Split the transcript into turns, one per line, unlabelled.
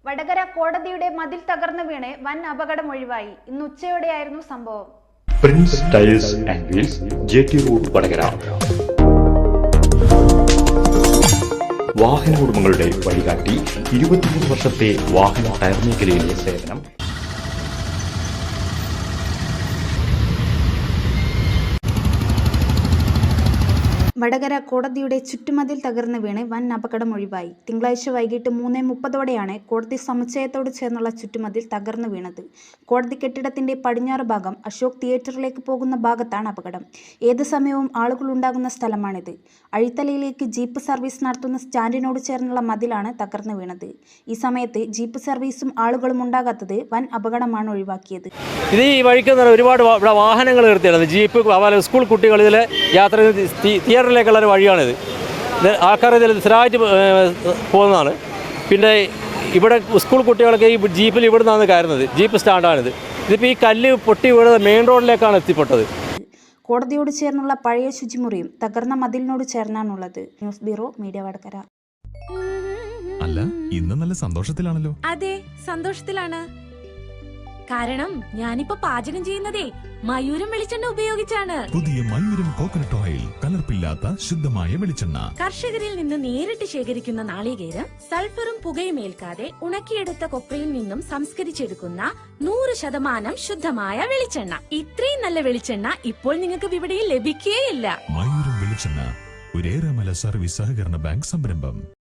വടകര കോടതിയുടെ മതിൽ തകർന്നു വീണ് വൻ അപകടം ഒഴിവായി. ഇന്ന് ഉച്ചയോടെയായിരുന്നു സംഭവം.
Prince Tiles and Wheels, JT road, Vadakara. വാഹന ഉടമകളുടെ വഴികാട്ടി, 23 വർഷത്തെ വാഹന ടയർ മേഖലയിലെ സേവനം.
വടകര കോടതിയുടെ ചുറ്റുമതിൽ തകർന്നു വീണ് വൻ അപകടം ഒഴിവായി. തിങ്കളാഴ്ച വൈകിട്ട് 3:30 കോടതി സമുച്ചയത്തോട് ചേർന്നുള്ള ചുറ്റുമതിൽ തകർന്നു വീണത്. കോടതി കെട്ടിടത്തിന്റെ പടിഞ്ഞാറ് ഭാഗം അശോക് തിയേറ്ററിലേക്ക് പോകുന്ന ഭാഗത്താണ് അപകടം. ഏത് സമയവും ആളുകൾ ഉണ്ടാകുന്ന സ്ഥലമാണിത്. അഴിത്തലയിലേക്ക് ജീപ്പ് സർവീസ് നടത്തുന്ന സ്റ്റാൻഡിനോട് ചേർന്നുള്ള മതിലാണ് തകർന്നു വീണത്. ഈ സമയത്ത് ജീപ്പ് സർവീസും ആളുകളും ഉണ്ടാകാത്തത് വൻ അപകടമാണ് ഒഴിവാക്കിയത്.
ഇത് ഈ വഴിക്ക് ഒരുപാട് വാഹനങ്ങൾ നിർത്തിയാണ്. ജീപ്പ്, സ്കൂൾ കുട്ടികൾ ഇതിൽ യാത്ര തിയേറ്ററിലേക്കുള്ള ഒരു വഴിയാണിത്. ആൾക്കാർ ഇതിൽ സ്ഥിരമായിട്ട് പോകുന്നതാണ്. പിന്നെ ഇവിടെ സ്കൂൾ കുട്ടികളൊക്കെ ഈ ജീപ്പിൽ ഇവിടെ നിന്നാണ് കയറുന്നത്. ജീപ്പ് സ്റ്റാൻഡാണിത്. ഇതിപ്പോൾ ഈ കല്ല് പൊട്ടി വീണത് മെയിൻ റോഡിലേക്കാണ് എത്തിപ്പെട്ടത്.
കോടതിയോട് ചേർന്നുള്ള പഴയ ശുചിമുറിയും തകർന്ന മതിലിനോട് ചേർന്നാണുള്ളത്. News bureau, media Vadakara.
അല്ല, ഇന്ന് നല്ല സന്തോഷത്തിലാണല്ലോ.
അതെ, സന്തോഷത്തിലാണ്. കാരണം ഞാനിപ്പോ പാചകം ചെയ്യുന്നതേ മയൂരം വെളിച്ചെണ്ണ ഉപയോഗിച്ചാണ്.
പുതിയ മയൂരം കോക്കനട്ട് ഓയിൽ, കലർപ്പില്ലാത്ത ശുദ്ധമായ വെളിച്ചെണ്ണ.
കർഷകരിൽ നിന്ന് നേരിട്ട് ശേഖരിക്കുന്ന നാളികേരം സൾഫറും പുകയും ഏൽക്കാതെ ഉണക്കിയെടുത്ത കൊപ്രയിൽ നിന്നും സംസ്കരിച്ചെടുക്കുന്ന 100% ശുദ്ധമായ വെളിച്ചെണ്ണ. ഇത്രയും നല്ല വെളിച്ചെണ്ണ ഇപ്പോൾ നിങ്ങൾക്ക് വിപണിയിൽ ലഭിക്കുകയില്ല.
മയൂരം വെളിച്ചെണ്ണ, ഒരു ഏറെമല സർവീസ് സഹകരണ ബാങ്ക് സംരംഭം.